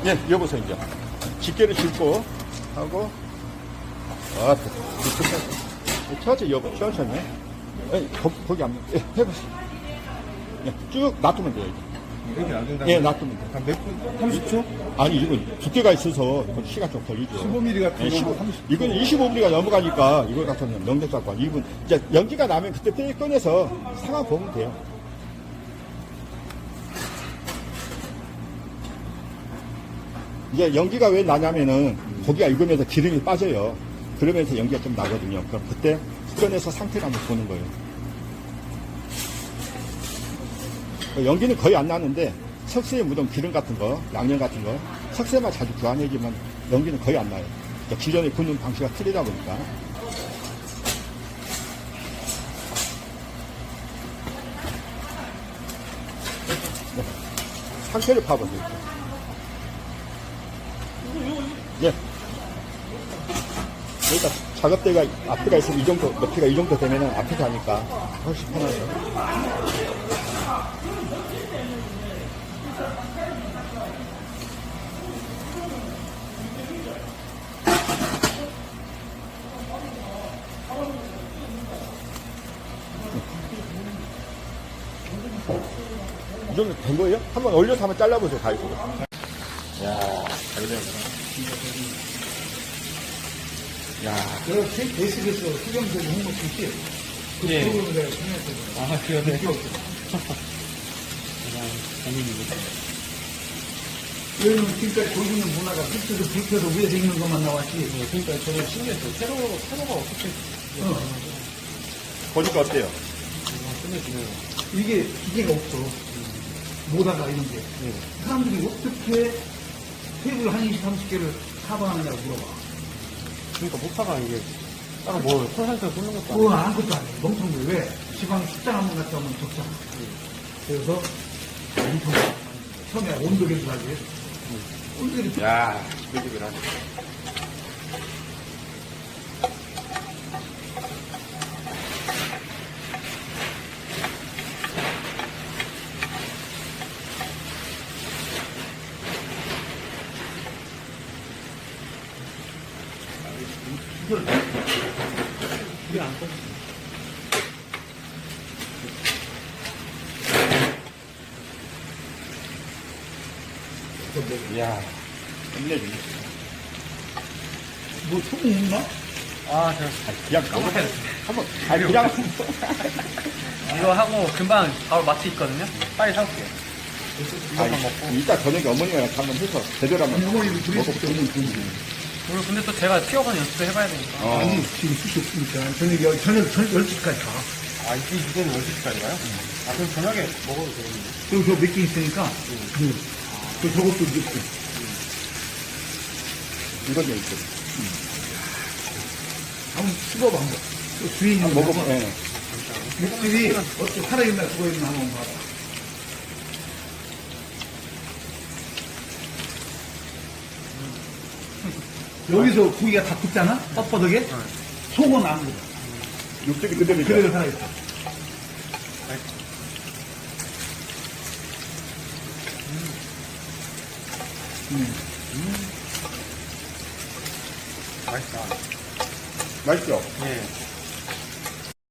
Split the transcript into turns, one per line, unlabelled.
예, 여보세요, 이제. 집게를 짚고, 하고, 천천히, 여보, 천천히. 예, 거기 안, 예, 해보세요. 예, 쭉 놔두면 돼요, 이제.
이렇게 놔둔다.
예, 놔두면 돼요.
한 몇 분? 30초?
아니, 이건 두께가 있어서, 이건 시간 좀 걸리죠.
15mm 같은
예,
거
15, 이건 25mm가 넘어가니까, 이걸 갖다는 명백사건. 이분, 이제 연기가 나면 그때 떼 꺼내서 상황 보면 돼요. 이제 연기가 왜 나냐면은 고기가 익으면서 기름이 빠져요. 그러면서 연기가 좀 나거든요. 그럼 그때 꺼내서 상태를 한번 보는 거예요. 연기는 거의 안 나는데 석쇠에 묻은 기름 같은 거, 양념 같은 거, 석쇠만 자주 교환해주면 연기는 거의 안 나요. 그러니까 기존에 굽는 방식이 틀리다 보니까. 네. 상태를 파보세요. 예. 그러니까 작업대가 앞에가 있으면 이 정도, 높이가 이 정도 되면은 앞에서 하니까 훨씬 편하죠. 이 정도 된 거예요? 한번 올려서 한번 잘라보세요, 가위로. 야, 잘 되는구나. 야,
그 베이스에서 수경적인 홍보 PC 그
예.
프로그램을 내가 참여했거든요.
아, 그러네.
왜냐면 지금까지 보여주는 문화가 밑에서 불켜서 위에서 있는 것만 나왔지.
그러니까 저는 신기했어요. 세로가 어떻게
보니까 어때요?
끝내주네요.
이게 기계가 없어. 모다가 이런 게. 사람들이 어떻게 테이블 한 20, 30개를 커버하느냐고 물어봐.
그러니까 목사가 이게 딱 뭐 콜센터 쏘는 것도
그건 아무것도 안 해. 멍청한 게 왜? 지방 식당 한 번 갔다 오면 적잖아. 그래서 엄청 처음에 온도 계산하기 위해서. 온도
야, 끄집을 하네.
이게 안 꺼져.
이야, 끝내주네.
뭐 소금 있나?
아, 제가
그냥 한번, 아니, 그냥.
이거 하고 금방 바로 마트 있거든요? 빨리 사올게요. 이것만 먹고.
이따 저녁에 어머니랑 한번 해서 제대로 한번
어머니도 둘이
먹어보세요.
그리고 근데 또 제가 튀어가는 연습도 해봐야 되니까.
아니, 지금 숱이 없으니까. 저녁 12시까지 가.
아, 이제는 10시까지 가요? 아, 그럼 저녁에 먹어도 되겠네요.
그리고 저 몇 개 있으니까. 그 저것도 넣고.
이건 좀 있어요.
한번 씹어봐, 한번. 또 주인이
한번 먹어봐. 예.
육즙이 어떻게 살아있나 죽어있나 한번 봐봐. 여기서 고기가 다 굳잖아? 뻣뻣하게? 속은 안 굳어.
육즙이 그대로 있죠.
그대로 살아있어.
맛있다.
맛있죠?
예.